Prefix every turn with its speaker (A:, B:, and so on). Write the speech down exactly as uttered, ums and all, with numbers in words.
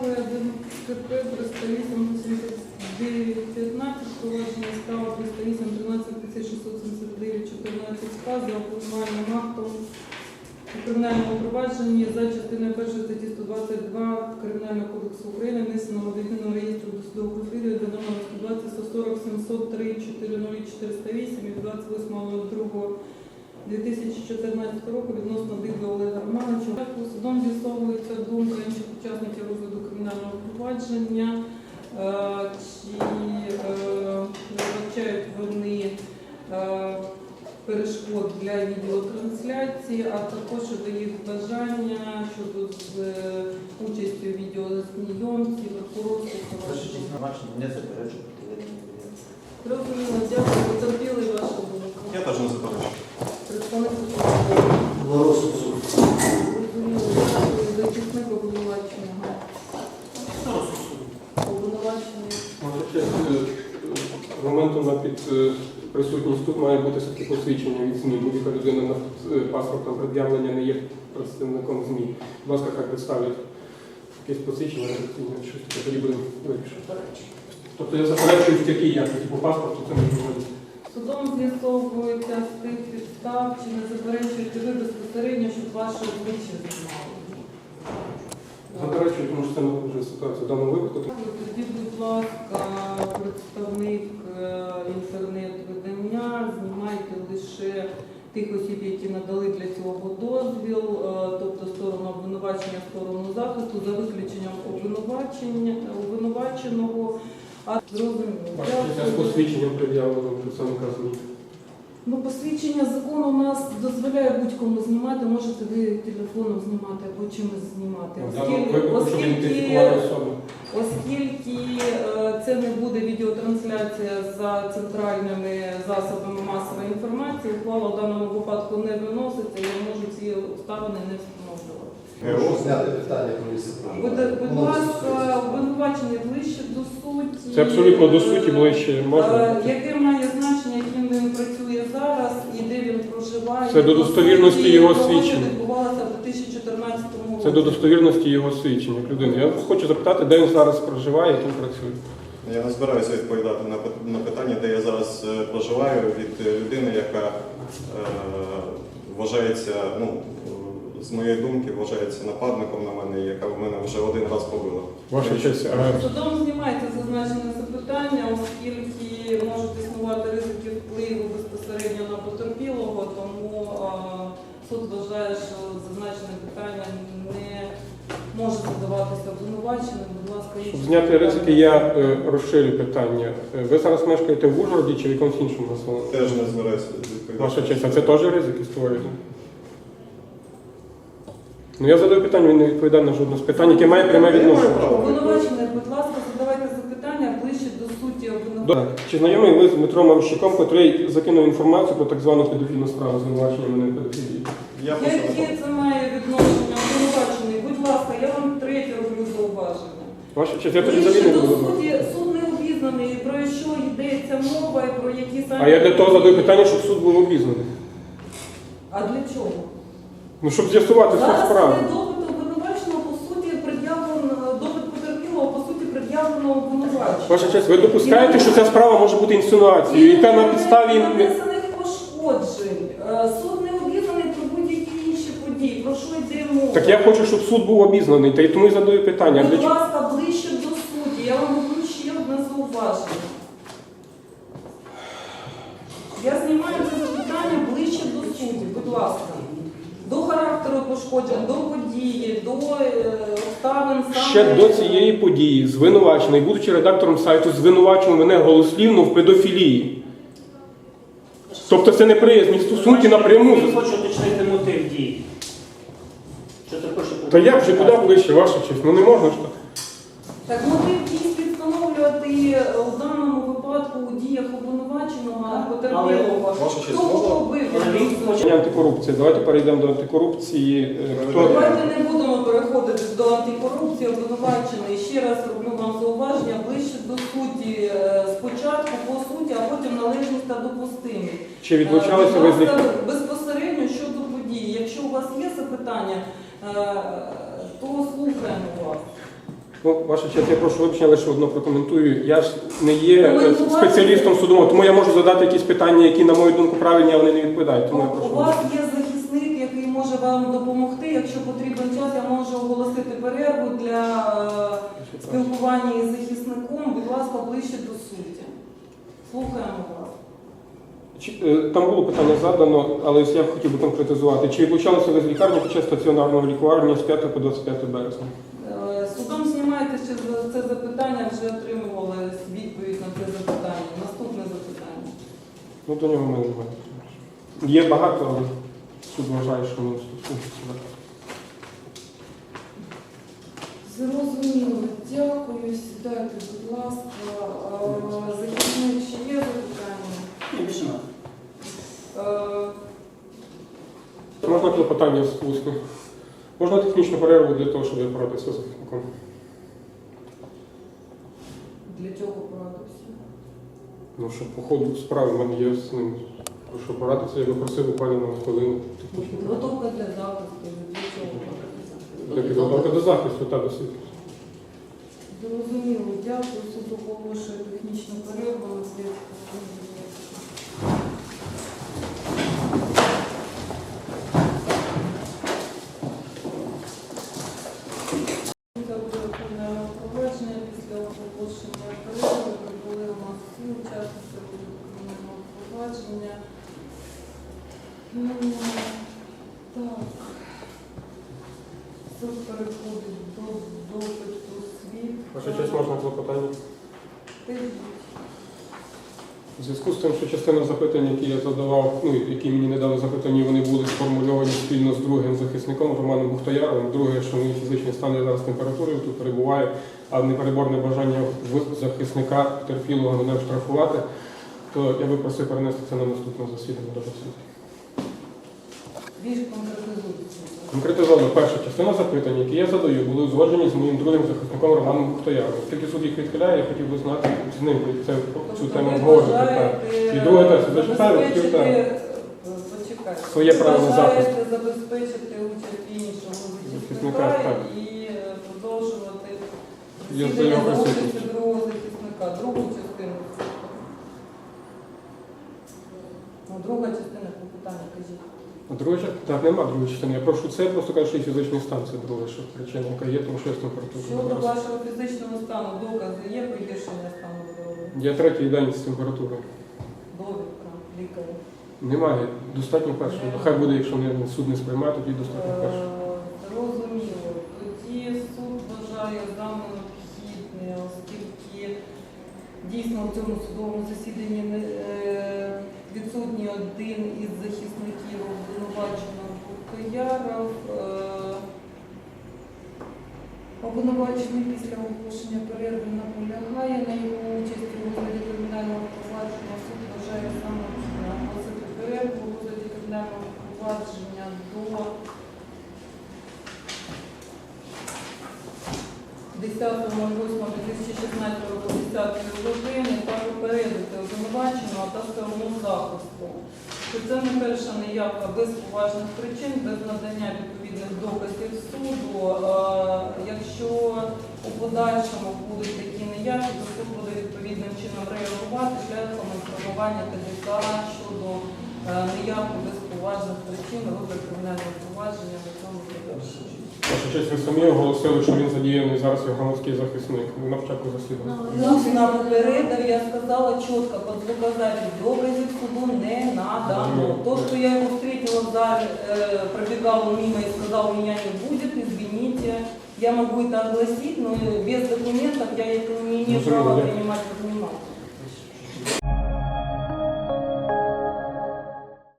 A: справи ДТП триста вісім сімдесят дев'ять п'ятнадцять, провадження справи триста вісім тринадцять тисяч шістсот сімдесят дев'ять чотирнадцять К за обвинувальним актом у кримінальному провадженні за частиною першої статті сто двадцять два Кримінального кодексу України внесеного до єдиного реєстру досудових розслідувань за номером сто двадцять сто сорок сімсот три чотирнадцять чотириста вісім від двадцять восьмого другого дві тисячі чотирнадцятого року відносно Дидла Олега Романовича. Судом з'ясовується думка інших учасників розгляду кримінального провадження, чи не вбачають вони перешкод для відеотрансляції, а також щодо їх бажання, щодо з участю відеозйомці, прокурорських.
B: Не заперечую.
A: Розуміло, дякую, потерпіли вашу думку.
B: Я теж не заперечую.
A: Представник
C: На розсуд суду.
A: Розуміло, дякую, захисник обвинуваченого. Обвинувачений.
D: З моменту на під присутність тут має бути все-таки посвідчення від ЗМІ. Будь-яка людина на паспортом пред'явлення не є представником ЗМІ. Будь ласка, хай представлять якесь посвідчення, щось таке, тоді будемо вирішити. Тобто я заперечую в якій якості по паспорту, це не можливо.
A: Судом з'ясовується з тих підстав, чи не заперечуєте ви безпосередньо, щоб ваше обличчя знімали.
D: Заперечую, тому що це не вже ситуація в даному випадку.
A: Тоді, будь ласка, представник інтернет-видання, знімайте лише тих осіб, які надали для цього дозвіл, тобто сторону обвинувачення, сторону захисту, за виключенням обвинувачення, обвинуваченого. А зрозуміло.
D: З посвідченням пред'явленого представника ЗМІ.
A: Ну, посвідчення закону у нас дозволяє будь-кому знімати, можете ви телефоном знімати або чимось знімати. Оскільки, оскільки, оскільки е, це не буде відеотрансляція за центральними засобами масової інформації, ухвала в даному випадку не виноситься, я можу ці обставини не встановлювати.
C: Прошу зняти питання про місце проживання.
A: Будь, будь ласка, обвинувачений ближче до суті.
D: Це абсолютно до суті ближче можна.
A: Яке має значення, яким він працює зараз і де він проживає.
D: Це до достовірності його свідчення.
A: Це відбувалося в дві тисячі чотирнадцятому році.
D: Це до достовірності його свідчення людини. Я хочу запитати, де він зараз проживає, яким працює.
B: Я не збираюся відповідати на, на питання, де я зараз е, проживаю, від людини, яка е, вважається, ну, з моєї думки, вважається нападником на мене, яка в мене вже один раз побила.
D: Ваша честь. а-
A: Судом знімається зазначене запитання, оскільки можуть існувати ризики впливу безпосередньо на потерпілого, тому а, суд вважає, що зазначене питання не може задаватися обвинуваченим. Будь ласка,
D: Щоб зняти ризики, я е, розширю питання. Е, Ви зараз мешкаєте в Ужгороді чи в якомусь іншому населеному?
B: Теж не збираюся відповідати.
D: Ваша честь, а це теж ризики створюєте? Ну я задаю питання, він не відповідає на жодне з питань, яке має пряме відношення.
A: Обвинувачений, будь ласка, задавайте запитання ближче до суті обвинувачення.
D: Так. Чи знайомий ви з Дмитром Марущуком, який закинув інформацію про так звану педофільну справу звинувачення мене в педофілії?
B: Я просто не
A: Яке це має відношення обвинувачений? Будь ласка, я вам третє роблю зауваження.
D: Ваша честь, я тоді
A: Ближче
D: взагалі не
A: до
D: буду.
A: суті, суд не обізнаний, про що йдеться мова і про які саме...
D: А я для того задаю питання, щоб суд був обізнаний.
A: А для чого?
D: Ну, щоб з'ясувати суть
A: Зараз
D: справи.
A: не допит обвинуваченого, по суті, пред'явлено, допит потерпілого, по суті, пред'явлено обвинувачення.
D: Ваша честь, ви допускаєте, що ця справа може бути інсинуацією, яка на підставі...
A: нанесених пошкоджень. Е, Суд не обізнаний про будь-які інші події. Про що йде мова?
D: Так я хочу, щоб суд був обізнаний, та й тому і задаю питання.
A: Будь
D: Для чого?
A: ласка, ближче до суті. Я вам роблю ще одне зауваження. Я знімаю це запитання ближче до суті. Будь ласка. До характеру пошкоджень, до події, до е, обставин саме...
D: Ще до цієї події звинувачений, будучи редактором сайту, звинувачував мене голослівно в педофілії. Тобто це неприязні стосунки напряму.
E: Я хочу уточнити мотив дій. Що ти хочеш?
D: Та як же куди ближче, ваша честь? Ну не можна ж так.
A: Так мотив дій встановлювати у даному випадку у діях обвинуваченого потерпілого.
B: Ваша честь,
A: Хто
B: можна?
A: кого бив?
D: Питання антикорупції. Давайте перейдемо до антикорупції. Хто...
A: Давайте не будемо переходити до антикорупції, обвинувачений. Ще раз роблю вам зауваження ближче до суті. Спочатку по суті, а потім належність та допустимість.
D: Чи відлучалися ви з них?
A: Безпосередньо щодо події. Якщо у вас є запитання, то слухаємо вас.
D: Ну, ваша честь, я прошу вибачення, лише одно прокоментую. Я ж не є е,
A: Коментувати-
D: спеціалістом судового, тому я можу задати якісь питання, які, на мою думку, правильні, а вони не відповідають. Тому я
A: У
D: прошу.
A: вас є захисник, який може вам допомогти. Якщо потрібен час, я можу оголосити перерву для е, спілкування із захисником. Будь ласка, ближче до суті. Слухаємо вас.
D: Чи- е, Там було питання задано, але я хотів би конкретизувати. Чи відлучалися ви з лікарні під час стаціонарного лікування з п'ятого по двадцять п'яте березня?
A: Е, Судом знімаєте, чи за це запитання вже отримували відповідь на це запитання. Наступне запитання.
D: Ну, до нього ми не маємо. Є багато, але суд вважає, що не стосується.
A: Зрозуміло, дякую. Сідайте, будь ласка. Е, Захисник, ще є запитання?
E: Більше нема.
A: Е,
D: Можна клопотання з усне? Можна технічну перерву для того, щоб порадитися з захисником?
A: Для чого порадився?
D: Ну, щоб по ходу справи в мене є з ним. Прошу порадитися, я би просив буквально на хвилину.
A: Підготовка для захисту. Для чого порадився?
D: Для підготовки до захисту та до суду.
A: Зрозуміло, дякую. Суд оголошує технічну перерву на зв'язку. Це буде провадження після оголошення перерви. Прибули у нас всі учасники кримінального провадження. Ну, так. Суд переходить до допиту свідка.
D: Ваша честь, можна клопотання?
A: Скажіть.
D: У зв'язку з тим, що частина запитань, які я задавав, ну, які мені не дали запитання, вони були сформульовані спільно з другим захисником Романом Бухтояровим. Друге, що мій фізичний стан я зараз температурою тут перебуває, а непереборне бажання в захисника терпілого мене штрафувати, то я би просив перенести це на наступне засідання до суду.
A: Більш конкретизується.
D: Конкретизовано, перша частина запитань, які я задаю, були узгоджені з моїм другим захисником Романом Бухтояровим. Оскільки суд їх відхиляє, я хотів би знати з ним це, цю тему обговорити. І друге теж, зачитаю, хотів так.
A: Почекайте.
D: Своє право на захист.
A: Бажаєте забезпечити участь іншого
D: Захисника,
A: захисника
D: так.
A: і е, продовжувати
D: Я
A: засідання
D: за
A: за
D: його
A: участю
D: присутність.
A: другого захисника. Другу частину. Ну, друга частина питання, кажіть.
D: А друга частина? Так, нема другої частини. Я прошу це, я просто кажу, що і фізичний стан це друга що причина, яка є, тому що я з температурою.
A: Щодо вашого фізичного стану, докази є погіршення стану здоров'я?
D: Я третій день з температурою.
A: Довідка лікаря.
D: Немає, достатньо першого. Хай буде, якщо не, суд не сприймає, тоді достатньо першого.
A: Е, Зрозуміло. Тоді суд вважає за необхідне, оскільки дійсно у цьому судовому засіданні не, е, відсутній один із захисників обвинуваченого Бухтояров. Е, Обвинувачений після оголошення перерви наполягає на його участі у розгляді кримінального провадження. Суд вважає за необхідне оголосити перерву у розгляді кримінального провадження до десятого восьмого дві тисячі шістнадцятого року десятої години та попередити обвинуваченого та сторону захисту, що це не перша неявка без поважних причин, без надання відповідних доказів суду. Е, Якщо у подальшому будуть такі неявки, то суд буде відповідним чином реагувати шляхом інформування ТДК щодо е, неявки без поважних причин розгляд кримінального провадження на цьому завершенні.
D: Ваша честь, ви самі оголосили, що він задіяний зараз як громадський захисник на початку засідання.
A: На попередив я сказала чітко, под звукозапись доказів суду не надано. То, что я его встретила в зале, э, пробегал он мимо и сказал, меня не будет, извините. Я могу это огласить, но без документов я это не имею
D: Разумею,
A: права
D: да.
A: принимать